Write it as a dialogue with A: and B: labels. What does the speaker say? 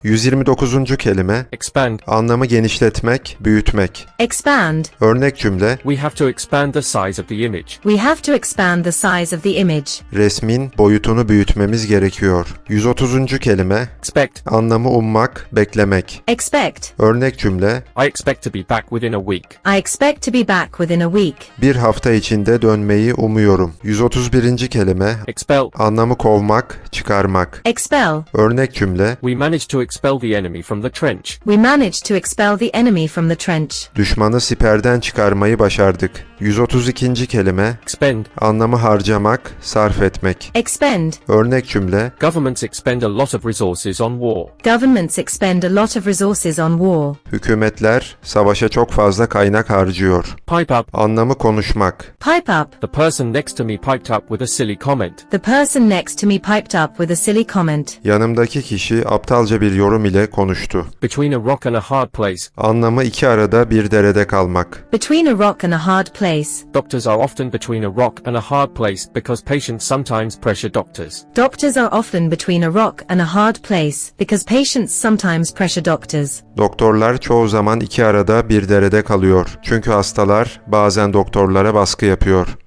A: 129. kelime,
B: Expand.
A: anlamı genişletmek, büyütmek.
C: Expand.
A: Örnek cümle,
B: We have to expand the size of the image.
C: We have to expand the size of the image.
A: resmin boyutunu büyütmemiz gerekiyor. 130. kelime,
B: Expect.
A: anlamı ummak, beklemek.
C: Expect.
A: Örnek cümle,
B: I expect to be back within a week.
C: I expect to be back within a week.
A: bir hafta içinde dönmeyi umuyorum. 131. kelime,
B: Expel.
A: anlamı kovmak, çıkarmak.
C: Expel.
A: Örnek cümle,
B: We managed to expel the enemy from the trench.
C: We managed to expel the enemy from the trench.
A: düşmanı siperden çıkarmayı başardık. 132. kelime,
B: Expend.
A: anlamı harcamak, sarf etmek.
C: Expend.
A: Örnek cümle,
B: Governments expend a lot of resources on war.
C: Governments expend a lot of resources on war.
A: hükümetler savaşa çok fazla kaynak harcıyor.
B: Pipe up.
A: Anlamı konuşmak.
C: Pipe up.
B: The person next to me piped up with a silly comment.
C: The person next to me piped up with a silly comment.
A: Yanımdaki kişi aptalca bir yorum ile konuştu.
B: Between a rock and a hard place.
A: Anlamı iki arada bir derede kalmak.
C: Between a rock and a hard place.
B: Doctors are often between a rock and a hard place because patients sometimes pressure doctors.
C: Doctors are often between a rock and a hard place because patients sometimes pressure doctors.
A: Doktorlar çoğu zaman iki arada bir derede kalıyor. Çünkü hastalar bazen doktorlara baskı yapıyor.